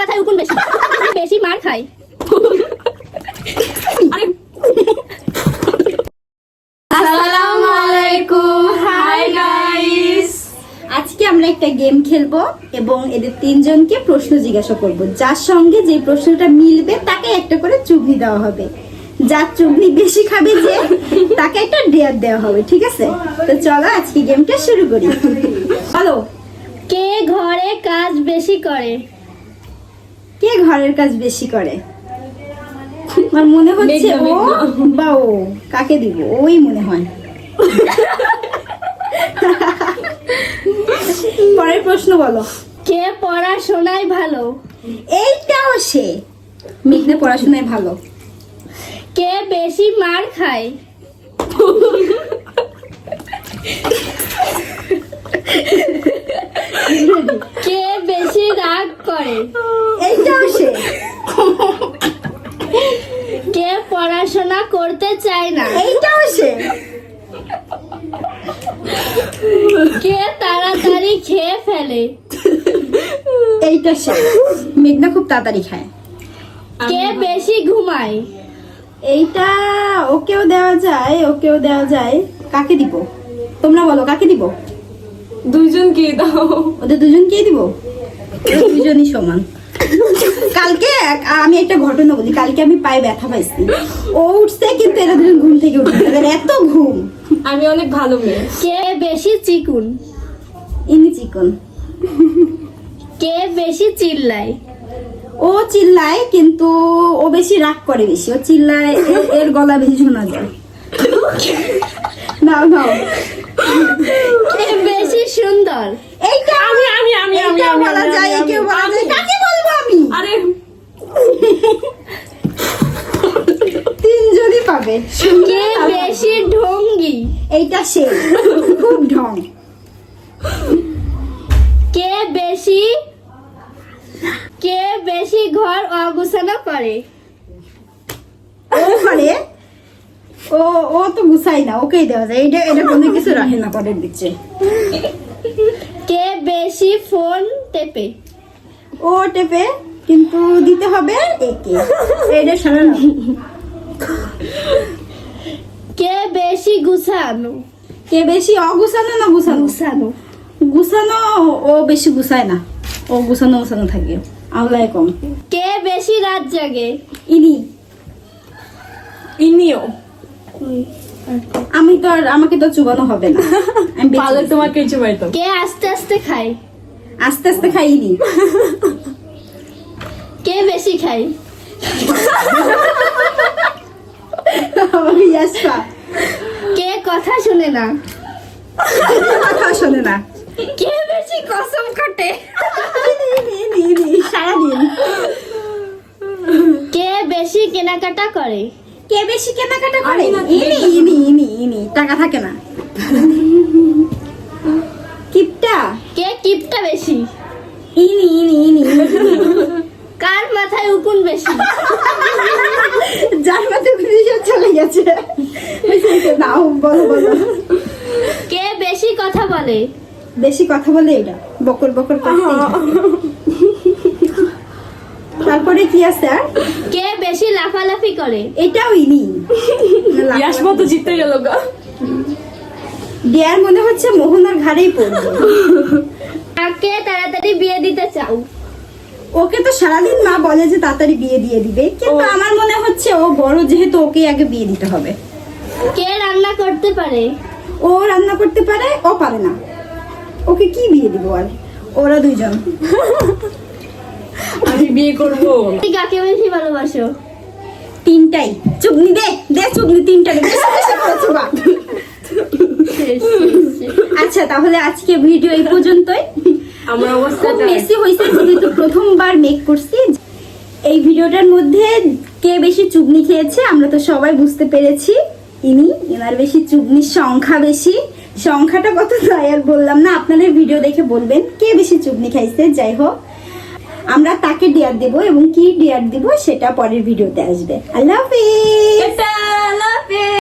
মাথায় উকুন বেশি বেশি মার খায়। আসসালামু আলাইকুম, হাই গাইস। আজকে আমরা একটা গেম খেলবো এবং এদের তিনজনকে প্রশ্ন জিজ্ঞাসা করব। যার সঙ্গে যে প্রশ্নটা মিলবে তাকে একটা করে চুগনি দেওয়া হবে। যার চুগনি বেশি খাবে যে তাকে একটা ডেয়ার দেওয়া হবে, ঠিক আছে? তো চলো আজকে গেমটা শুরু করি। বলো, কে ঘরে কাজ বেশি করে? কে ঘরের কাজ বেশি করে? আমার মনে হচ্ছে ও বা ও। কাকে দিব? ওই মনে হয়। পরের প্রশ্ন বলো। কে পড়াশোনায় ভালো? এইটাও সে। মেঘনা পড়াশোনায় ভালো। কে বেশি মার খায়? কে বেশি রাগ করে? এইটাও সে। কে পড়াশোনা করতে চায় না? এইটাও সে। কে তাড়াতাড়ি খেয়ে ফেলে? এইটা সে। মেঘনা খুব তাড়াতাড়ি খায়। কে বেশি ঘুমায়? এইটা ওকেও দেওয়া যায়, ওকেও দেওয়া যায়। কাকে দিব? তোমরা বলো, কাকে দিব? দুইজনকে দাও। ওদের দুজনকেই দিব। ওরা দুজনই সমান। কালকে আমি একটা ঘটনা বলি। কালকে আমি পায়ে ব্যথা পাইছি। ও উঠছে কিন্তু এরা দুজন ঘুম থেকে উঠছে। এদের এত ঘুম। আমি অনেক ভালো মেয়ে। কে বেশি চিকুন? ইনি চিকন। কে বেশি চিল্লায়? ও চিল্লায় কিন্তু ও বেশি রাগ করে বেশি। ও চিল্লায়, এর গলা বেশি শোনা যায়। নাও নাও। কে বেশি সুন্দর? এইটা এইটা বলা যায়, একেও বলা যায়। কাকে বলবো আমি? আরে তিনজনই পাবে। কে বেশি ঢঙ্গি? এইটা সে। খুব ঢং। কে বেশি ঘর অগুছানো করে? ও করে। ও তো গুছাই না, ওকেই দেওয়া যায়। এটা কোনো কিছু রাখে না পরের দিচ্ছে। কে বেশি ফোন টেপে? ও টেপে কিন্তু দিতে হবে একে। এটা সারা না। কে বেশি গুছানো? কে বেশি অগুছানো না গুছানো? গুছানো। গুছানো ও বেশি গুছায় না। ও গুছানো গুছানো থাকে, আওলায় কম। কে বেশি রাত জাগে? ইনি। ইনিও আমাকে তো চুবানো হবে না। আমি বেঁচে পালে গেছি। তোমাকে চুবাইতাম। কে আস্তে আস্তে খায়? আস্তে আস্তে খাই ইনি। কে বেশি খায়? আমাকে ইয়াসপা। কে কথা শুনে না? কথা শোনে না। কে বেশি কসম কাটে? ইনি সারাদিন। কে বেশি কেনাকাটা করে? কে বেশি কেনাকাটা করে? আমি না, ইনি টাকা থাকে না। কিপটা। কে কিপটা বেশি? ইনি কার মাথায় উকুন বেশি? যার মধ্যে ভিডিও চলে গেছে। নাও বলো। কে বেশি কথা বলে? বেশি কথা বলে এটা বকর বকর করতেই থাকে। তারপরে কি আছে আর? কে বেশি লাফালাফি করে? এটাও ইনি। ইয়াসমা তো জিতে গেল গা। ডেয়ার মনে হচ্ছে মোহনার ঘাড়েই পড়বে। কাকে তাড়াতাড়ি বিয়ে দিতে চাও? ওকে তো সারাদিন মা বলে যে তাড়াতাড়ি বিয়ে দিয়ে দিবে, কিন্তু আমার মনে হচ্ছে ও বড় যেহেতু ওকে আগে বিয়ে দিতে হবে। কে রান্না করতে পারে? ও রান্না করতে পারে, ও পারে না। ওকে কি বিয়ে দিব আর? ওরা দুইজন। আমি বিয়ে করবো। তুমি কাকে বেশি ভালোবাসো? তিনটাই। চুগনি দে চুগনি তিনটা দে। বেশি বেশি করে চুবা। আচ্ছা তাহলে আজকে ভিডিও এই পর্যন্তই। আমার অবস্থা খুব মেসি হয়েছে যেহেতু প্রথমবার মেক করছি। এই ভিডিওটার মধ্যে কে বেশি চুগনি খেয়েছে আমরা তো সবাই বুঝতে পেরেছি। এনার বেশি চুগনির সংখ্যা বেশি। সংখ্যাটা কত তাই আর বললাম না, আপনাদের ভিডিও দেখে বলবেন কে বেশি চুগনি খাইছে। যাই হোক, আমরা তাকে ডেয়ার দেব এবং কি ডেয়ার দিব সেটা পরের ভিডিওতে আসবে। আল্লাহ হাফেজ।